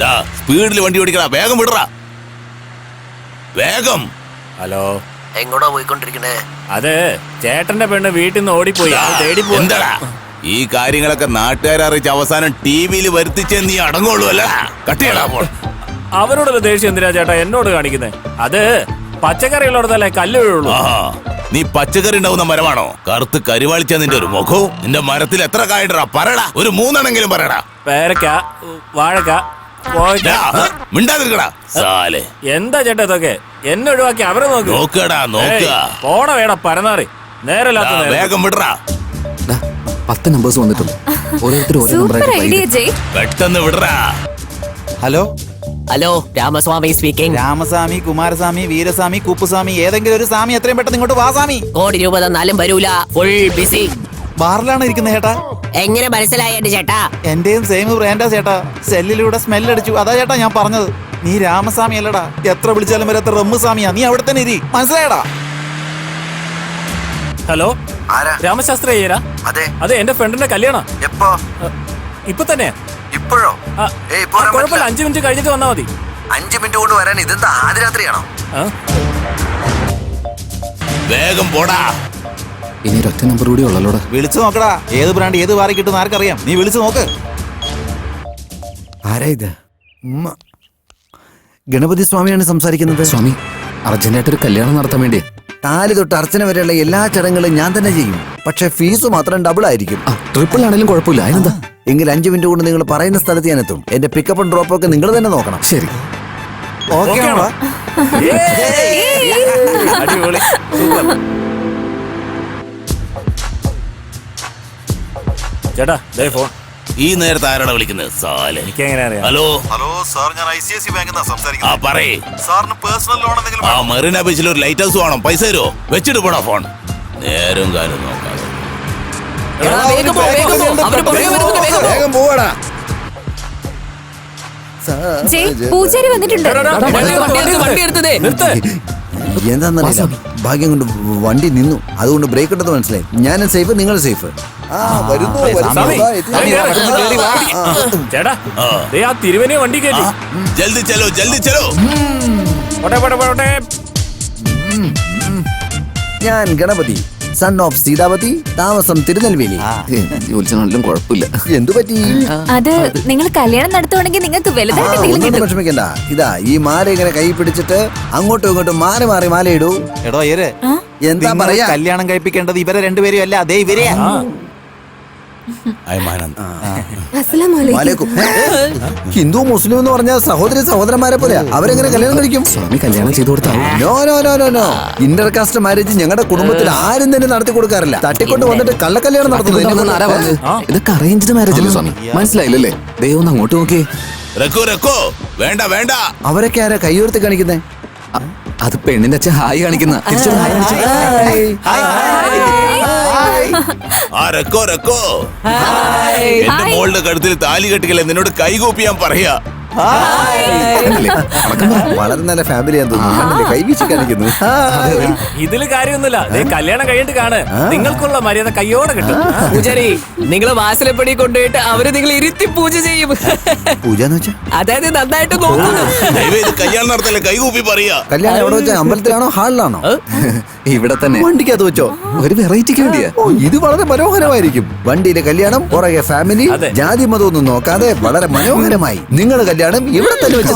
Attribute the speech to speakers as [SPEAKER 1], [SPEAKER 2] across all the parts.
[SPEAKER 1] സ്പീഡിൽ വണ്ടി ഓടിക്കടാ, വേഗം വിടറാ, വേഗം.
[SPEAKER 2] ഹലോ,
[SPEAKER 3] എങ്ങോട്ടാ പോയിക്കൊണ്ടിരിക്കണേ?
[SPEAKER 2] അത് ചേട്ടന്റെ പെണ്ണ് വീട്ടിൽ നിന്ന് ഓടിപ്പോയി, തേടി പോയി.
[SPEAKER 1] എന്താടാ ഈ കാര്യങ്ങളൊക്കെ നാട്ടുകാരെ അറിയിച്ച് അവസാനം ടിവിയിൽ വരുത്തിച്ചേ നീ അടങ്ങുള്ളൂ അല്ല? കട്ടിയടാ ഫോൺ.
[SPEAKER 2] അവരോടുള്ള ദേഷ്യം എന്തിനാ ചേട്ടാ എന്നോട് കാണിക്കുന്നത്? അത് പച്ചക്കറി ഉള്ളിടത്തല്ലേ കല്ല് വീഴുള്ളൂ.
[SPEAKER 1] നീ പച്ചക്കറി ഉണ്ടാവുന്ന മരമാണോ? കറുത്ത് കരിവാളിച്ച നിന്റെ ഒരു മുഖവും. നിന്റെ മരത്തിൽ എത്ര കായടാ? പറയടാ, ഒരു 3 എണ്ണെങ്കിലും പറയടാ.
[SPEAKER 2] പേരക്ക, വാഴക്ക,
[SPEAKER 1] മിണ്ടാതിരിക്കടാ സാലേ.
[SPEAKER 2] എന്താ ചേട്ടാ ഇതൊക്കെ? എന്നെ ഒഴിവാക്കി അവരെ
[SPEAKER 1] നോക്കടാ, നോക്കുക.
[SPEAKER 2] പോണ വേടാ പരനാറി, നേരല്ലാത്ത
[SPEAKER 1] വേഗം വിടറാ.
[SPEAKER 4] 10 നമ്പേഴ്സ് വന്നിട്ടുണ്ട്.
[SPEAKER 1] പെട്ടെന്ന് വിടറാ.
[SPEAKER 5] Hello
[SPEAKER 3] hello, Ramaswamy speaking.
[SPEAKER 5] Ramaswamy, Kumaraswamy, Veeraswamy, Kuppuswamy, ഏതെങ്കിലും ഒരു സ്വാമി എത്രയും പെട്ടെന്ന് ഇങ്ങോട്ട് വാ സ്വാമി.
[SPEAKER 3] കോടി രൂപ തന്നാലും വരൂല, ഫുൾ ബിസി.
[SPEAKER 5] ബാറിലാണ് ഇരിക്കുന്നത് ചേട്ടാ.
[SPEAKER 3] എങ്ങനെ മനസ്സിലായിട്ട് ചേട്ടാ?
[SPEAKER 5] എന്റെയും സെയിം ബ്രാൻഡാ ചേട്ടാ. സെല്ലിലൂടെ സ്മെല്ലടിച്ചു, അതാ ചേട്ടാ ഞാൻ പറഞ്ഞത്. നീ രാമസ്വാമി അല്ലടാ, എത്ര വിളിച്ചാലും വരാത്ത റമ്മുസ്വാമിയാ. നീ അവിടെ തന്നെ ഇരി, മനസ്സിലായടാ?
[SPEAKER 2] ഹലോ, രാമശാസ്ത്രി അയ്യരാ? അതെ, എന്റെ ഫ്രണ്ടിന്റെ കല്യാണം.
[SPEAKER 6] എപ്പോ?
[SPEAKER 2] ഇപ്പൊ തന്നെ.
[SPEAKER 6] ഇപ്പോഴോ?
[SPEAKER 2] കുഴപ്പമില്ല, 5 മിനിറ്റ് കഴിഞ്ഞിട്ട് വന്നാ മതി.
[SPEAKER 6] 5 മിനിറ്റ് കൊണ്ട് വരാൻ ഇതെന്താ ആദ്യരാത്രിയാണോ?
[SPEAKER 1] വേഗം പോടാ.
[SPEAKER 4] ഇനി ഒറ്റ നമ്പർ കൂടി ഉള്ളല്ലോടാ.
[SPEAKER 5] വിളിച്ചു നോക്കടാ, ഏത് ബ്രാൻഡ് ഏത് വാറി കിട്ടുന്ന ആർക്കറിയാം. നീ വിളിച്ചു നോക്ക്.
[SPEAKER 7] ആരാ ഇത്? ഗണപതി സ്വാമിയാണ് സംസാരിക്കുന്നത്.
[SPEAKER 4] സ്വാമി, അർജന്റായിട്ടൊരു കല്യാണം നടത്താൻ വേണ്ടി
[SPEAKER 7] താലി തൊട്ട് അർച്ചന വരെയുള്ള എല്ലാ ചടങ്ങുകളും ഞാൻ തന്നെ ചെയ്യും. പക്ഷെ ഫീസ് മാത്രം ഡബിൾ ആയിരിക്കും.
[SPEAKER 4] ട്രിപ്പിൾ ആണെങ്കിലും കുഴപ്പമില്ല. അതിനെന്താ?
[SPEAKER 7] എങ്കിൽ 5 മിനിറ്റ് കൊണ്ട് നിങ്ങൾ പറയുന്ന സ്ഥലത്ത് ഞാൻ എത്തും. എന്റെ പിക്കപ്പും ഡ്രോപ്പും ഒക്കെ നിങ്ങൾ തന്നെ നോക്കണം.
[SPEAKER 4] ശരി,
[SPEAKER 5] ഓക്കെ ആണോ?
[SPEAKER 2] അടിപൊളി. ചേട്ടാ ദേ ഫോൺ.
[SPEAKER 1] ഈ നേരത്തെ ആരാണ് വിളിക്കുന്നത്? സാലേ,
[SPEAKER 2] എനിക്ക് എങ്ങനെ അറിയാം?
[SPEAKER 1] ഹലോ
[SPEAKER 6] സാർ, ഞാൻ ICICI ബാങ്കിൽ നിന്നാ സംസാരിക്കുന്നത്.
[SPEAKER 1] പറയേ.
[SPEAKER 6] സാറിന് പേഴ്സണൽ ലോൺ എന്തെങ്കിലും?
[SPEAKER 1] മെറീന ബീച്ചിൽ ഒരു ലൈറ്റ് ഹൗസ് വേണം. പൈസ തരുമോ? വെച്ചിട്ട് പോടാ ഫോൺ. നേരം കാര്യം നോക്കാതെ
[SPEAKER 7] വേഗം പോവാടാ.
[SPEAKER 8] പൂജാരി വന്നിട്ടുണ്ട്.
[SPEAKER 7] എന്താന്നറിയില്ല, ഭാഗ്യം കൊണ്ട് വണ്ടി നിന്നു. അതുകൊണ്ട് ബ്രേക്ക് ഇട്ടത് മനസ്സിലായി. ഞാനും സേഫ്, നിങ്ങൾ സേഫ്.
[SPEAKER 2] ചേട്ടാ ദേ ആ തിരുവനെ വണ്ടി കയറ്റി.
[SPEAKER 1] ജൽദി ചലോ, ജൽദി ചലോ.
[SPEAKER 7] ഞാൻ ഗണപതി, സൺ ഓഫ് സീതാവതി, താമസം തിരുനെൽവേലി.
[SPEAKER 4] ജോലിച്ചാണെങ്കിലും കുഴപ്പമില്ല.
[SPEAKER 7] എന്തു പറ്റി?
[SPEAKER 8] അത് നിങ്ങൾ കല്യാണം നടത്തുവാണെങ്കിൽ നിങ്ങൾക്ക് വലുതായിട്ട്
[SPEAKER 7] വിഷമിക്കണ്ട. ഇതാ ഈ മാല ഇങ്ങനെ കൈ പിടിച്ചിട്ട് അങ്ങോട്ടും ഇങ്ങോട്ടും മാറി മാറി മാല ഇടൂ.
[SPEAKER 5] എടോ അയ്യരെ,
[SPEAKER 7] എന്താ പറയാ?
[SPEAKER 5] കല്യാണം കഴിപ്പിക്കേണ്ടത് ഇവരെ രണ്ടുപേരും അല്ല, അതേ ഇവരെയാ.
[SPEAKER 7] ഹിന്ദു മുസ്ലിം എന്ന് പറഞ്ഞാൽ സഹോദരി സഹോദരന്മാരെ പോലെ അവരെങ്ങനെ കല്യാണം കഴിക്കും?
[SPEAKER 4] സ്വാമി കല്യാണം ചെയ്തു കൊടുത്താൽ
[SPEAKER 7] no no no no no. Intercaste marriage ഞങ്ങളുടെ കുടുംബത്തിൽ ആരും തന്നെ നടത്തി കൊടുക്കാറില്ല. തട്ടിക്കൊണ്ട് വന്നിട്ട് കള്ളക്കല്യാണം നടത്തുന്നത്.
[SPEAKER 4] ഇതൊക്കെ അറേഞ്ച്ഡ് മാരേജ് അല്ലേ സ്വാമി? മനസ്സിലായില്ലല്ലേ? ദൈവം ഒന്ന് അങ്ങോട്ട് നോക്കിയേ.
[SPEAKER 1] വേണ്ട വേണ്ട.
[SPEAKER 7] അവരൊക്കെ ആരാ കൈ ഉയർത്തി കാണിക്കുന്നേ?
[SPEAKER 4] അത് പെണ്ണിന്റെ അച്ഛൻ ഹായ് കാണിക്കുന്ന.
[SPEAKER 1] എന്റെ മോളുടെ കഴുത്തിൽ താലി കെട്ടിക്കല്ലേ നിന്നോട് കൈകൂപ്പിയാൻ പറയാ.
[SPEAKER 7] വളരെ നല്ല ഫാമിലിയാന്ന് തോന്നുന്നു. കൈവീശി കാണിക്കുന്നു.
[SPEAKER 2] ഇതില് കാര്യമൊന്നുമില്ല. കല്യാണം കഴിഞ്ഞിട്ട് കാണ്, നിങ്ങൾക്കുള്ള മര്യാദ കയ്യോടെ കിട്ടും.
[SPEAKER 3] പൂജാരി, നിങ്ങള് വാസലപ്പടി കൊണ്ടുപോയിട്ട് അവര് നിങ്ങൾ ഇരുത്തി പൂജ ചെയ്യും.
[SPEAKER 7] പൂജ എന്ന് വെച്ചാ
[SPEAKER 3] അതായത് നന്നായിട്ട് നോക്കുന്നു.
[SPEAKER 1] കല്യാണം നടത്തല്ലേ കൈകൂപ്പി പറയാ.
[SPEAKER 7] കല്യാണം എവിടെ വെച്ചാ? അമ്പലത്തിലാണോ ഹാളിലാണോ?
[SPEAKER 4] ഇവിടെ തന്നെ.
[SPEAKER 7] വണ്ടിക്കകത്ത് വെച്ചോ?
[SPEAKER 4] ഒരു വെറൈറ്റിക്ക് വേണ്ടിയാ.
[SPEAKER 7] ഇത് വളരെ മനോഹരമായിരിക്കും. വണ്ടിയിലെ കല്യാണം, പുറകെ ഫാമിലി, ജാതി മതം ഒന്നും നോക്കാതെ വളരെ മനോഹരമായി. നിങ്ങളുടെ കല്യാണം ഇവിടെ തന്നെ വെച്ച്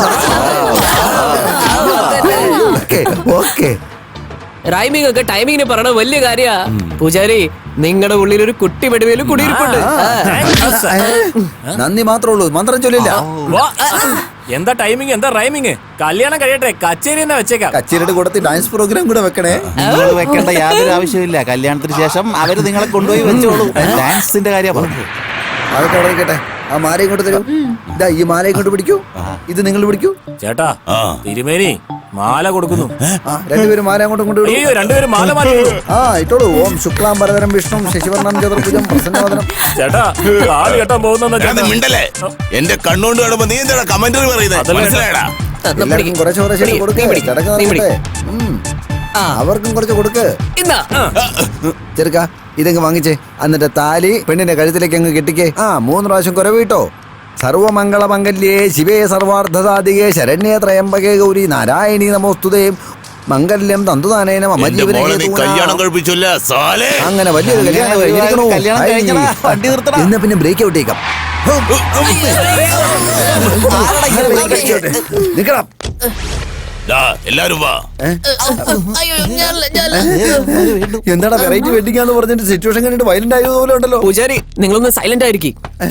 [SPEAKER 3] റൈമിംഗ് ഒക്കെ ടൈമിങ്ങിന് പറയണ വലിയ കാര്യ. പൂജാരി, നിങ്ങളുടെ ഉള്ളിൽ ഒരു കുട്ടി വെടിവേലും കുടിയിരിപ്പുണ്ട്.
[SPEAKER 7] നന്ദി മാത്രമേ ഉള്ളൂ, മന്ത്രം ചൊല്ലില്ല.
[SPEAKER 2] എന്താ ടൈമിങ്, എന്താ റൈമിങ്? കല്യാണം കഴിയട്ടെ, കച്ചേരി തന്നെ വെച്ചേക്കാം.
[SPEAKER 7] കച്ചേരിയുടെ കൂടെ ഡാൻസ് പ്രോഗ്രാം കൂടെ വെക്കണേ.
[SPEAKER 5] നിങ്ങൾ വെക്കേണ്ട യാതൊരു ആവശ്യമില്ല. കല്യാണത്തിന് ശേഷം അവര് നിങ്ങളെ കൊണ്ടുപോയി വെച്ചോളൂ. ഡാൻസിന്റെ കാര്യം പറഞ്ഞു.
[SPEAKER 7] അതൊക്കെ അവിടെ ഇരിക്കട്ടെ. ആ മാല ഇങ്ങോട്ട് തരൂ. ഇതാ ഈ മാല ഇങ്ങോട്ട് പിടിക്കൂ. ഇത് നിങ്ങൾ പിടിക്കൂ.
[SPEAKER 2] ചേട്ടാ, തിരുമേനി മാല കൊടുക്കുന്നു.
[SPEAKER 7] രണ്ടുപേരും മാല അങ്ങോട്ടും കൊണ്ട്
[SPEAKER 2] രണ്ടുപേരും മാല മാറ്റി.
[SPEAKER 7] ഇട്ടോളൂ. ഓം ശുക്ലാം വരദരം വിഷ്ണു ശശിവർണം ചതുർഭുജം പ്രസന്നവദനം.
[SPEAKER 2] ചേട്ടാ താലി കെട്ടാൻ പോകുന്ന
[SPEAKER 1] മിണ്ടല്ലേ? എന്റെ കണ്ണുകൊണ്ട് കാണുമ്പോ നീ എന്താ കമന്ററി പറയുന്നത്? മനസ്സിലായടാ?
[SPEAKER 7] എല്ലാവർക്കും കുറച്ച് കുറച്ച് കൊടുക്കേ. ചടങ്ങ് നടക്കട്ടെ. അവർക്കും കുറച്ച് കൊടുക്ക്. ചെറുക്ക, ഇതങ്ങ് വാങ്ങിച്ചേ. എന്നിട്ട് താലി പെണ്ണിന്റെ കഴുത്തിലേക്ക് അങ്ങ് കെട്ടിക്കേ. 3 പ്രാവശ്യം കുരവിട്ടോ. സർവമംഗളമംഗല്യേ ശിവേ സർവാർദ്ധസാധികേ ശരണ്യേ ത്രയംബകേ ഗൗരി നാരായണീ നമോസ്തുതേ മംഗല്യം തന്തുതാനേന മമ
[SPEAKER 1] എന്റെ
[SPEAKER 7] ജീവനെ
[SPEAKER 1] മോളെ നീ
[SPEAKER 7] ഹേതുനാ.
[SPEAKER 1] കല്യാണം കഴിപ്പിച്ചില്ല സാലേ.
[SPEAKER 7] അങ്ങനെ വലിയൊരു കല്യാണം കഴിഞ്ഞിരിക്കണു.
[SPEAKER 5] കല്യാണം
[SPEAKER 7] ഹായ്.
[SPEAKER 5] കഴിക്കടാ, വണ്ടി നിർത്തടാ.
[SPEAKER 7] എന്നാ പിന്നെ ബ്രേക്ക് ഔട്ടേക്കാം നിക്കണം.
[SPEAKER 1] ദാ, എല്ലാരും വാ.
[SPEAKER 7] എന്താടാ വെറൈറ്റി വെഡിങ് ആന്ന് പറഞ്ഞിട്ട് സിറ്റുവേഷൻ കണ്ടിട്ട് വയലന്റ് ആയതുപോലെ ഉണ്ടല്ലോ.
[SPEAKER 3] പൂജാരി നിങ്ങളൊന്ന് സൈലന്റ് ആയിരിക്കും.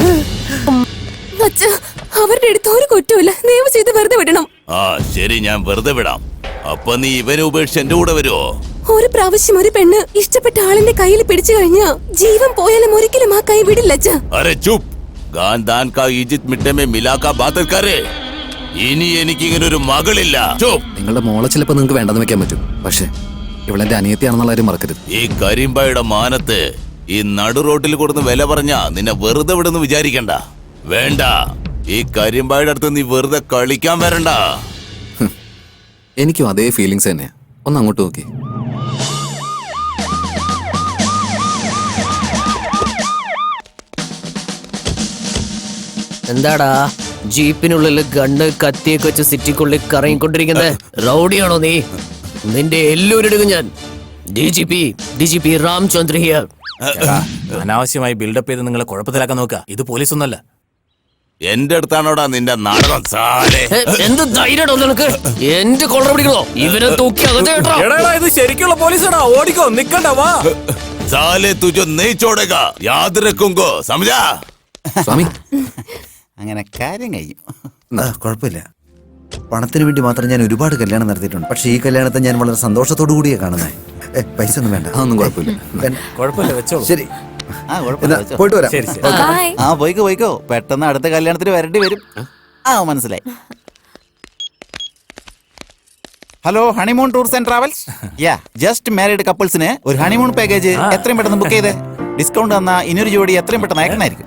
[SPEAKER 8] അവരുടെ അടുത്ത് ഒരു കുറ്റമില്ല, നിയമം ചെയ്ത് വെറുതെ വിടണം.
[SPEAKER 1] ആ ശരി, ഞാൻ വെറുതെ വിടാം. അപ്പൊ നീ ഇവനെ ഉപേക്ഷിച്ച് എന്റെ കൂടെ വരുവോ?
[SPEAKER 8] ഒരു പ്രാവശ്യം ഒരു പെണ്ണ് ഇഷ്ടപ്പെട്ട ആളിന്റെ കയ്യിൽ പിടിച്ചു കഴിഞ്ഞാ ജീവൻ പോയാലും ഒരിക്കലും ആ കൈ വിടില്ല അച്ഛാ.
[SPEAKER 1] അരെ ചുപ്. ഗാൻ ദാൻ കാ ഈജിത് മിട്ടേ മേ മിലാ കാ ബാത് കരേ. ഇനി എനിക്ക് ഇങ്ങനെ ഒരു മകളില്ല. ചുപ്.
[SPEAKER 4] നിങ്ങളുടെ മോളെ ചിലപ്പോൾ നിങ്ങൾക്ക് വേണ്ടെന്ന് വെക്കാൻ പറ്റും, പക്ഷേ ഇവളെന്റെ അനിയത്തിയാണെന്നുള്ള കാര്യം മറക്കരുത്.
[SPEAKER 1] ഈ കരിമ്പായുടെ മാനത്ത് ഈ നടു റോട്ടിൽ കൊടുന്ന് വില പറഞ്ഞാ നിന്നെ വെറുതെ വിടുന്ന് വിചാരിക്കണ്ട. വേണ്ട, ഈ കരിമ്പായുടെ അടുത്ത് നീ വെറുതെ കളിക്കാൻ വരണ്ട.
[SPEAKER 4] എനിക്കും അതേ ഫീലിങ്സ് തന്നെയാ. ഒന്ന് അങ്ങോട്ട് നോക്കി.
[SPEAKER 3] എന്താടാ ജീപ്പിനുള്ളിൽ ഗണ്ണ് കത്തിയൊക്കെ വെച്ച് സിറ്റിക്കുള്ളിൽ കറങ്ങിക്കൊണ്ടിരിക്കുന്നത്? റൗഡിയാണോ നീ? നിന്റെ എല്ലൂരെടുക്കും ഞാൻ. D G P Ramchandra here.
[SPEAKER 2] അനാവശ്യമായി ബിൽഡപ്പ് ചെയ്ത് നിങ്ങളെ കുഴപ്പത്തിലാക്കാൻ നോക്കുക. ഇത് പോലീസൊന്നല്ല.
[SPEAKER 1] എന്റെ അടുത്താണോടാ നിന്റെ നാടകം സാലേ.
[SPEAKER 3] എന്ത് ധൈര്യടോ നിനക്ക്? എന്റെ കൊള്ള പിടിക്കണോ? ഇവരെ തൂക്കി അകത്ത് കേട്ടോ.
[SPEAKER 2] എടാ, ഇത് ശരിക്കുള്ള പോലീസാടാ. ഓടിക്കോ, നിക്കണ്ട, വാ.
[SPEAKER 1] സാലേ തുജോ नहीं छोड़ेगा, याद रखूंगा, समझा?
[SPEAKER 4] സ്വാമി,
[SPEAKER 5] അങ്ങനെ കാര്യം കഴിയും. കുഴപ്പമില്ല. പണത്തിന് വേണ്ടി മാത്രം ഞാൻ ഒരുപാട് കല്യാണം നടത്തിയിട്ടുണ്ട്. പക്ഷെ ഈ കല്യാണത്തെ ഞാൻ വളരെ സന്തോഷത്തോടു കൂടിയാ കാണുന്നത്. പൈസ ഒന്നും വേണ്ട.
[SPEAKER 4] അതൊന്നും കുഴപ്പമില്ല.
[SPEAKER 2] കുഴപ്പമില്ല, വെച്ചോളൂ.
[SPEAKER 7] ശരി,
[SPEAKER 5] ആ കുഴപ്പമില്ല, വെച്ചോ.
[SPEAKER 7] പോയിട്ട് വരാം.
[SPEAKER 2] ശരി, ശരി.
[SPEAKER 8] Bye.
[SPEAKER 5] ആ പോയിക്കോ. പെട്ടെന്ന് അടുത്ത കല്യാണത്തിന് വരേണ്ടി വരും. ആ മനസ്സിലായി. Hello, honeymoon tours and travels. Yeah, just married കപ്പിൾസിന് ഒരു ഹണിമൂൺ പാക്കേജ് എത്രയും പെട്ടെന്ന് ബുക്ക് ചെയ്തേ. ഡിസ്കൗണ്ട് തന്നാ ഇനിയൊരു ജോഡി എത്രയും പെട്ടെന്ന് അയക്കണായിരിക്കും.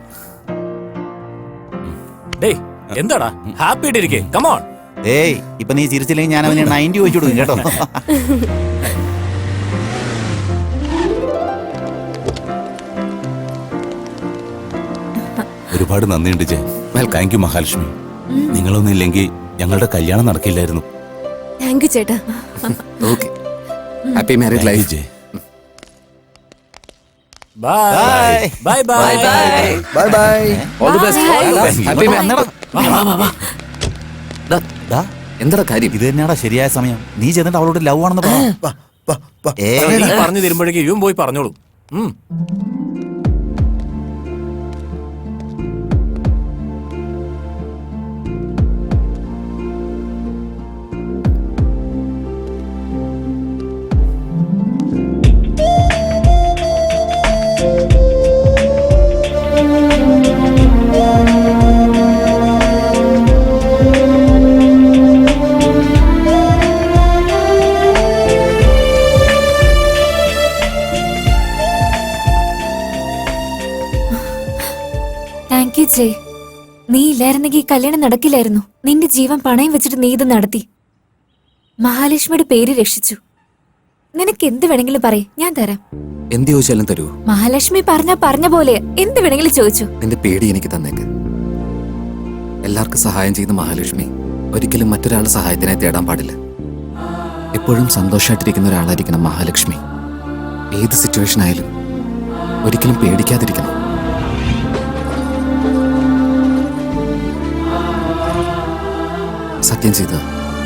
[SPEAKER 2] ഡേയ്, എന്താടാ ഹാപ്പി ആയിട്ടിരിക്കേ. കമോൺ.
[SPEAKER 5] ഏയ്, ഇപ്പൊ നീ ചിരിച്ചില്ലെങ്കിൽ ഞാൻ അവന് 90 വെച്ചു കൊടുക്കും കേട്ടോ.
[SPEAKER 1] ഒരുപാട് നന്ദിയുണ്ട് ജെ. Thank you Mahalakshmi. നിങ്ങളൊന്നും ഇല്ലെങ്കിൽ ഞങ്ങളുടെ കല്യാണം നടക്കില്ലായിരുന്നു.
[SPEAKER 8] താങ്ക് യു ചേട്ടാ.
[SPEAKER 4] Okay. Happy married
[SPEAKER 1] Thank you,
[SPEAKER 4] life.
[SPEAKER 1] ജെ.
[SPEAKER 2] Bye bye bye bye.
[SPEAKER 7] Bye bye.
[SPEAKER 3] All the best.
[SPEAKER 4] Happy
[SPEAKER 5] വന്നെടാ. ദാ,
[SPEAKER 4] എന്താ കാര്യം?
[SPEAKER 5] ഇത് തന്നെയാടാ ശരിയായ സമയം. നീ ചെന്നിട്ട് അവളോട് ലവ് ആണെന്ന് പറ.
[SPEAKER 2] നീ പറഞ്ഞു തരുമ്പോഴേക്കും ഇവൻ പോയി പറഞ്ഞോളൂ.
[SPEAKER 8] താങ്ക് യു ചേ. നീ ഇല്ലായിരുന്നെങ്കിൽ ഈ കല്യാണം നടക്കില്ലായിരുന്നു. നിന്റെ ജീവൻ പണയം വെച്ചിട്ട് നീ ഇത് നടത്തി. മഹാലക്ഷ്മിയുടെ പേര് രക്ഷിച്ചു. നിനക്ക് എന്ത് വേണമെങ്കിലും പറയ്, ഞാൻ തരാം.
[SPEAKER 4] എന്ത് ചോദിച്ചാലും തരൂ.
[SPEAKER 8] മഹാലക്ഷ്മി പറഞ്ഞ പോലെ എന്ത് വേണമെങ്കിലും ചോദിച്ചു.
[SPEAKER 4] നിന്റെ പേടി എനിക്ക് തന്നേക്ക്. എല്ലാവർക്കും സഹായം ചെയ്യുന്ന മഹാലക്ഷ്മി ഒരിക്കലും മറ്റൊരാളുടെ സഹായത്തിനായി തേടാൻ പാടില്ല. എപ്പോഴും സന്തോഷമായിട്ടിരിക്കുന്ന ഒരാളായിരിക്കണം മഹാലക്ഷ്മി. ഏത് സിറ്റുവേഷൻ ആയാലും ഒരിക്കലും പേടിക്കാതിരിക്കണം. സത്യം ചെയ്തത്.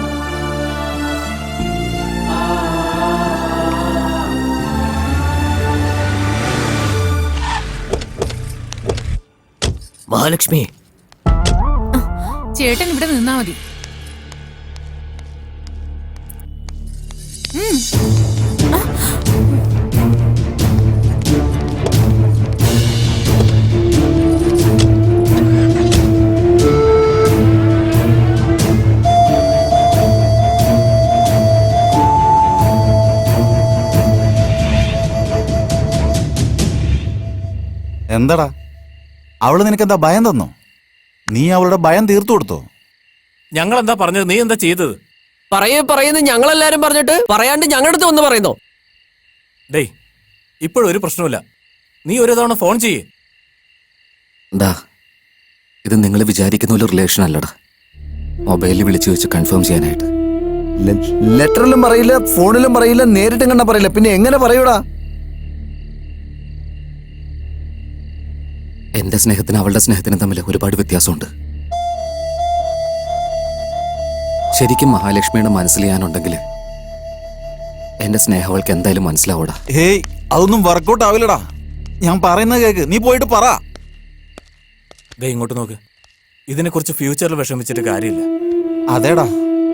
[SPEAKER 3] മഹാലക്ഷ്മി,
[SPEAKER 9] ചേട്ടൻ ഇവിടെ നിന്നാ മതി.
[SPEAKER 5] എന്താടാ, അവള് നിനക്കെന്താ ഭയം തന്നോ? നീ അവളുടെ ഭയം തീർത്തു കൊടുത്തോ?
[SPEAKER 2] ഞങ്ങൾ എന്താ പറഞ്ഞത്? നീ എന്താ ചെയ്തത്?
[SPEAKER 3] പറയുന്നത് ഞങ്ങളെല്ലാരും പറഞ്ഞിട്ട് പറയാണ്ട് ഞങ്ങളുടെ അടുത്ത് ഒന്ന് പറയുന്നോ?
[SPEAKER 2] ഡേയ്, ഇപ്പോഴൊരു പ്രശ്നമില്ല. നീ ഒരു തവണ ഫോൺ ചെയ്യേ.
[SPEAKER 4] ദാ ഇത് നിങ്ങൾ വിചാരിക്കുന്ന ഒരു റിലേഷൻ അല്ലടാ. മൊബൈലിൽ വിളിച്ചു വെച്ച് കൺഫേം ചെയ്യാനായിട്ട്.
[SPEAKER 7] ലെറ്ററിലും പറയില്ല, ഫോണിലും പറയില്ല, നേരിട്ടും കണ്ട പറയില്ല, പിന്നെ എങ്ങനെ പറയൂടാ?
[SPEAKER 4] എന്റെ സ്നേഹത്തിന് അവളുടെ സ്നേഹത്തിനും തമ്മിൽ ഒരുപാട് വ്യത്യാസമുണ്ട്. ശരിക്കും മഹാലക്ഷ്മിയുടെ മനസ്സിൽ ഞാനുണ്ടെങ്കിൽ എന്റെ സ്നേഹം അവൾക്ക് എന്തായാലും മനസ്സിലാവൂടാ.
[SPEAKER 9] ഹേയ്, അതൊന്നും വർക്കൗട്ട് ആവില്ലടാ. ഞാൻ പറയുന്നത് കേക്ക്, നീ പോയിട്ട് പറ.
[SPEAKER 2] ദേ ഇങ്ങോട്ട് നോക്ക്. ഇതിനെക്കുറിച്ച് ഫ്യൂച്ചറിൽ വിഷമിച്ചിട്ട് കാര്യമില്ല.
[SPEAKER 9] അതേടാ.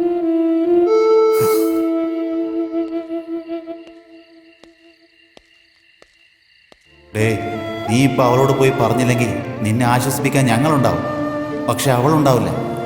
[SPEAKER 9] ഡേ, നീ ഇപ്പൊ അവളോട് പോയി പറഞ്ഞില്ലെങ്കിൽ നിന്നെ ആശ്വസിപ്പിക്കാൻ ഞങ്ങളുണ്ടാവും, പക്ഷെ അവളുണ്ടാവില്ല.